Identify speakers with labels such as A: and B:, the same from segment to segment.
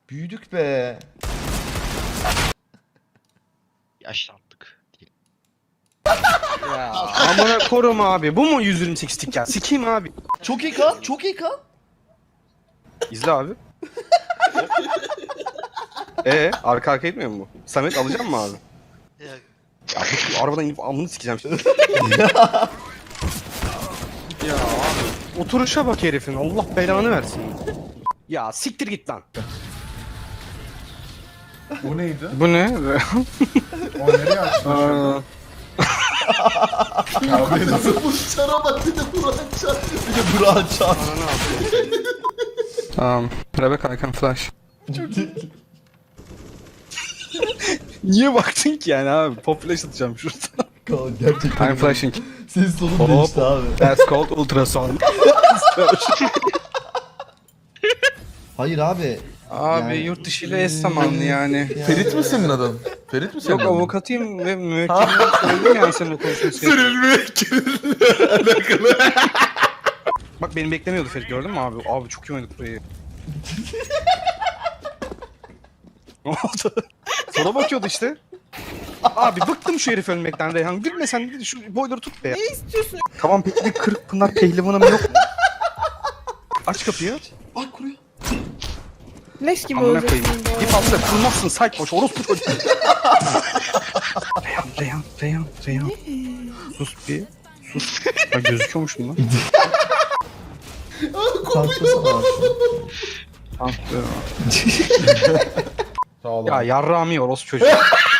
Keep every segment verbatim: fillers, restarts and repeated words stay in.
A: Büyüdük be.
B: Yaşlandık.
C: Ya amına korum abi. Bu mu yüz yirmi sekiz tik ya? Sikeyim abi.
A: Çok iyi kan. Çok iyi kan.
C: İzle abi. Ee, arka arkaya gitmiyor mu bu? Samet alacak mı abi?
B: Ya,
C: Ya bu arabadan inip amını sikeceğim şimdi. Ya abi. Oturuşa bak herifin. Allah belanı versin. Ya siktir git lan.
D: O neydi?
C: Bu ne?
D: O nereye açtın?
C: Aa,
D: Abi nasıl?
A: Bu çara bak bir de Burak'ın çar. Bir de Burak'ın çar.
C: um, Rebecca, I can flash. Niye baktın ki yani abi? Pop flash atacağım şurada.
A: Kaan gerçekten.
C: I'm flashing.
A: Senin sonun
C: Hop.
A: değişti abi.
C: That's called ultrasound.
A: Hayır abi.
C: Abi
A: Yani-
C: yurt dışı ile eş zamanlı yani.
D: Ferit mi senin adın? Ferit mi senin
C: Yok
D: adın?
C: avukatıyım ve müvekkilim söyledim yani seninle konuşması.
D: müvekkilinle alakalı.
C: Bak beni beklemiyordu Ferit gördün mü abi? Abi çok iyi oynadık burayı. Ne oldu? Sola bakıyordu işte. Abi bıktım şu herif ölmekten Reyhan. Gülme sen şu boyları tut be.
E: Ne istiyorsun?
C: Tamam peki bir kırık pınar pehlivanım yok mu? Aç kapıyı.
A: Bak kuruyor.
E: Leş gibi
C: Amına koyayım.
E: olacaksın bu
C: Bir
E: arada.
C: fazla kurmazsın saykoş orospu çocuğu. Reyhan, Reyhan, Reyhan, Reyhan. Sus bir. Sus. Ya gözüküyormuş mu lan?
A: Kalkmasana abi.
C: Tamam.
D: Sağ ol
C: Ya
D: abi.
C: yarrağımı orospu çocuğu.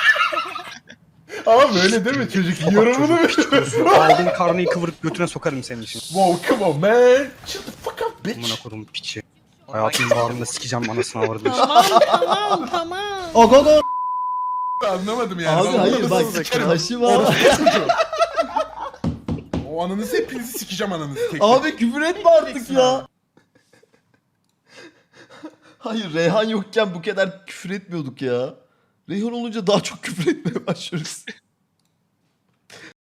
D: Ama böyle değil mi çocuk? Yorumunu mu?
C: Aldığın karnıyı kıvırıp götüne sokarım senin için.
D: Wow, come on man. Shut the fuck up bitch.
C: Amına kodum piçi. Hayatımın bağrında sikeceğim anasını avradını.
E: Tamam tamam tamam.
A: O go go.
D: Anlamadım yani.
A: Abi
D: Ben
A: hayır
D: anlamadım.
A: bak
D: Sikerim.
A: taşı var.
D: O ananızı hepinizi sikeceğim ananızı. Tek
A: Abi küfür etme artık ya. Hayır Reyhan yokken bu kadar küfür etmiyorduk ya. Reyhan olunca daha çok küfür etmeye başlıyoruz.